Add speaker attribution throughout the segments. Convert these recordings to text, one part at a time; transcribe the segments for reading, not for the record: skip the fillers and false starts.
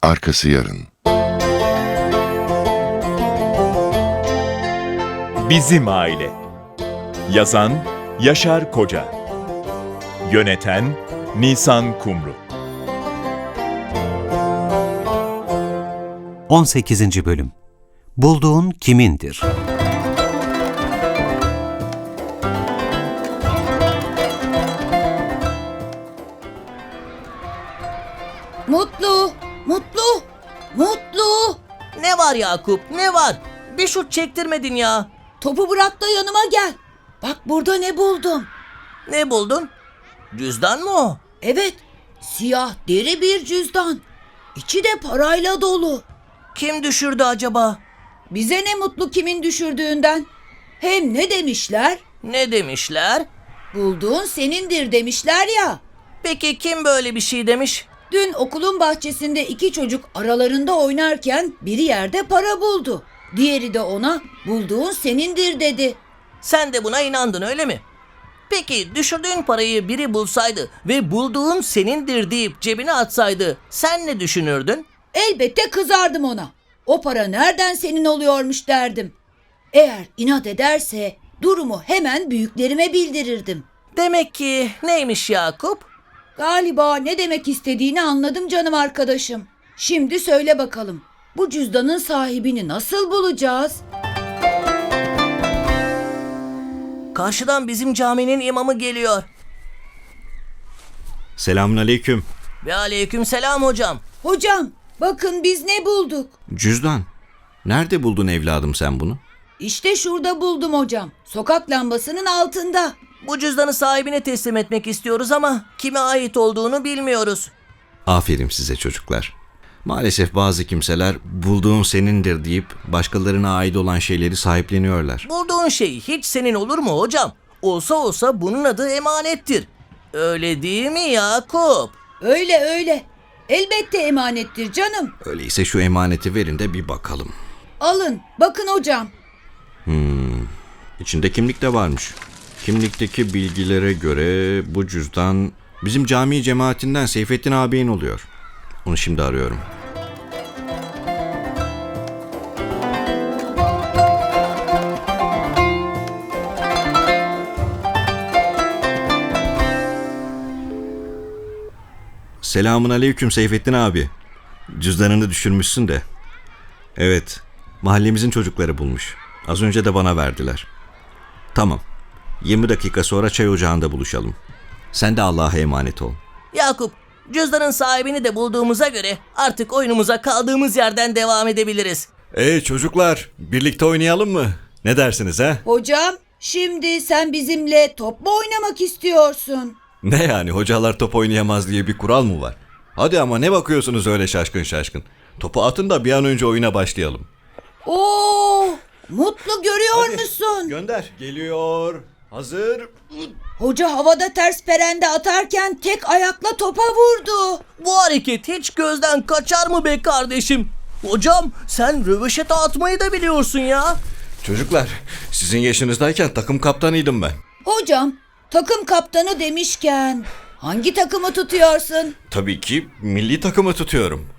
Speaker 1: arkası yarın.
Speaker 2: Bizim Aile. Yazan Yaşar Koca. Yöneten Nisan Kumru.
Speaker 3: 18. Bölüm. Bulduğun kimindir?
Speaker 4: Mutlu, Mutlu, Mutlu.
Speaker 5: Ne var Yakup, ne var? Bir şut çektirmedin ya.
Speaker 4: Topu bırak da yanıma gel. Bak burada ne buldum.
Speaker 5: Ne buldun? Cüzdan mı o?
Speaker 4: Evet, siyah deri bir cüzdan. İçi de parayla dolu.
Speaker 5: Kim düşürdü acaba?
Speaker 4: Bize ne mutlu kimin düşürdüğünden. Hem ne demişler?
Speaker 5: Ne demişler?
Speaker 4: Bulduğun senindir demişler ya.
Speaker 5: Peki kim böyle bir şey demiş?
Speaker 4: Dün okulun bahçesinde iki çocuk aralarında oynarken biri yerde para buldu. Diğeri de ona bulduğun senindir dedi.
Speaker 5: Sen de buna inandın öyle mi? Peki düşürdüğün parayı biri bulsaydı ve bulduğun senindir deyip cebine atsaydı sen ne düşünürdün?
Speaker 4: Elbette kızardım ona. O para nereden senin oluyormuş derdim. Eğer inat ederse durumu hemen büyüklerime bildirirdim.
Speaker 5: Demek ki neymiş Yakup?
Speaker 4: Galiba ne demek istediğini anladım canım arkadaşım. Şimdi söyle bakalım. Bu cüzdanın sahibini nasıl bulacağız?
Speaker 5: Karşıdan bizim caminin imamı geliyor.
Speaker 6: Selamünaleyküm.
Speaker 5: Ve aleykümselam hocam.
Speaker 4: Hocam, bakın biz ne bulduk?
Speaker 6: Cüzdan. Nerede buldun evladım sen bunu?
Speaker 4: İşte şurada buldum hocam. Sokak lambasının altında.
Speaker 5: Bu cüzdanı sahibine teslim etmek istiyoruz ama kime ait olduğunu bilmiyoruz.
Speaker 6: Aferin size çocuklar. Maalesef bazı kimseler bulduğun senindir deyip başkalarına ait olan şeyleri sahipleniyorlar.
Speaker 5: Bulduğun şey hiç senin olur mu hocam? Olsa olsa bunun adı emanettir. Öyle değil mi Yakup?
Speaker 4: Öyle öyle. Elbette emanettir canım.
Speaker 6: Öyleyse şu emaneti verin de bir bakalım.
Speaker 4: Alın, bakın hocam.
Speaker 6: İçinde kimlik de varmış. Kimlikteki bilgilere göre bu cüzdan bizim cami cemaatinden Seyfettin ağabeyin oluyor. Onu şimdi arıyorum. Selamun aleyküm Seyfettin abi. Cüzdanını düşürmüşsün de. Evet, mahallemizin çocukları bulmuş. Az önce de bana verdiler. Tamam, 20 dakika sonra çay ocağında buluşalım. Sen de Allah'a emanet ol.
Speaker 5: Yakup, cüzdanın sahibini de bulduğumuza göre artık oyunumuza kaldığımız yerden devam edebiliriz.
Speaker 6: Çocuklar, birlikte oynayalım mı? Ne dersiniz ha?
Speaker 4: Hocam, şimdi sen bizimle top mu oynamak istiyorsun?
Speaker 6: Ne yani, hocalar top oynayamaz diye bir kural mı var? Hadi ama ne bakıyorsunuz öyle şaşkın şaşkın? Topu atın da bir an önce oyuna başlayalım.
Speaker 4: Oo, Mutlu görüyor musun?
Speaker 6: Gönder. Geliyor. Hazır.
Speaker 4: Hoca havada ters perende atarken tek ayakla topa vurdu.
Speaker 5: Bu hareket hiç gözden kaçar mı be kardeşim? Hocam sen röveşata atmayı da biliyorsun ya.
Speaker 6: Çocuklar, sizin yaşınızdayken takım kaptanıydım ben.
Speaker 4: Hocam, takım kaptanı demişken hangi takımı tutuyorsun?
Speaker 6: Tabii ki milli takımı tutuyorum.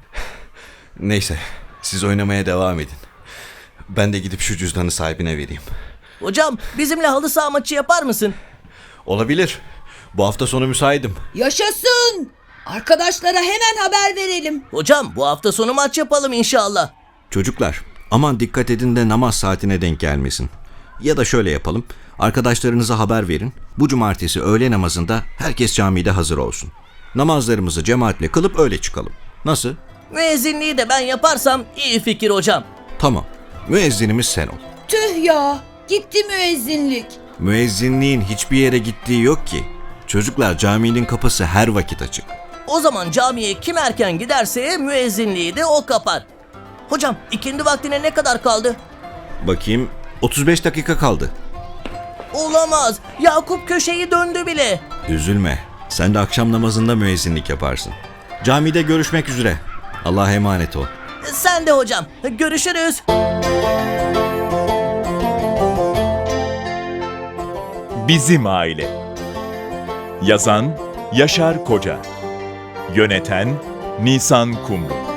Speaker 6: Neyse, siz oynamaya devam edin. Ben de gidip şu cüzdanı sahibine vereyim.
Speaker 5: Hocam bizimle halı saha maçı yapar mısın?
Speaker 6: Olabilir. Bu hafta sonu müsaitim.
Speaker 4: Yaşasın! Arkadaşlara hemen haber verelim.
Speaker 5: Hocam bu hafta sonu maç yapalım inşallah.
Speaker 6: Çocuklar, aman dikkat edin de namaz saatine denk gelmesin. Ya da şöyle yapalım. Arkadaşlarınıza haber verin. Bu cumartesi öğle namazında herkes camide hazır olsun. Namazlarımızı cemaatle kılıp öyle çıkalım. Nasıl?
Speaker 5: Müezzinliği de ben yaparsam iyi fikir hocam.
Speaker 6: Tamam. Müezzinimiz sen ol.
Speaker 4: Tüh ya, gitti müezzinlik.
Speaker 6: Müezzinliğin hiçbir yere gittiği yok ki. Çocuklar, caminin kapısı her vakit açık.
Speaker 5: O zaman camiye kim erken giderse müezzinliği de o kapar. Hocam ikindi vaktine ne kadar kaldı?
Speaker 6: Bakayım, 35 dakika kaldı.
Speaker 5: Olamaz. Yakup köşeyi döndü bile.
Speaker 6: Üzülme. Sen de akşam namazında müezzinlik yaparsın. Camide görüşmek üzere. Allah'a emanet ol.
Speaker 5: Sen de hocam. Görüşürüz.
Speaker 2: Bizim Aile. Yazan Yaşar Koca. Yöneten Nisan Kumru.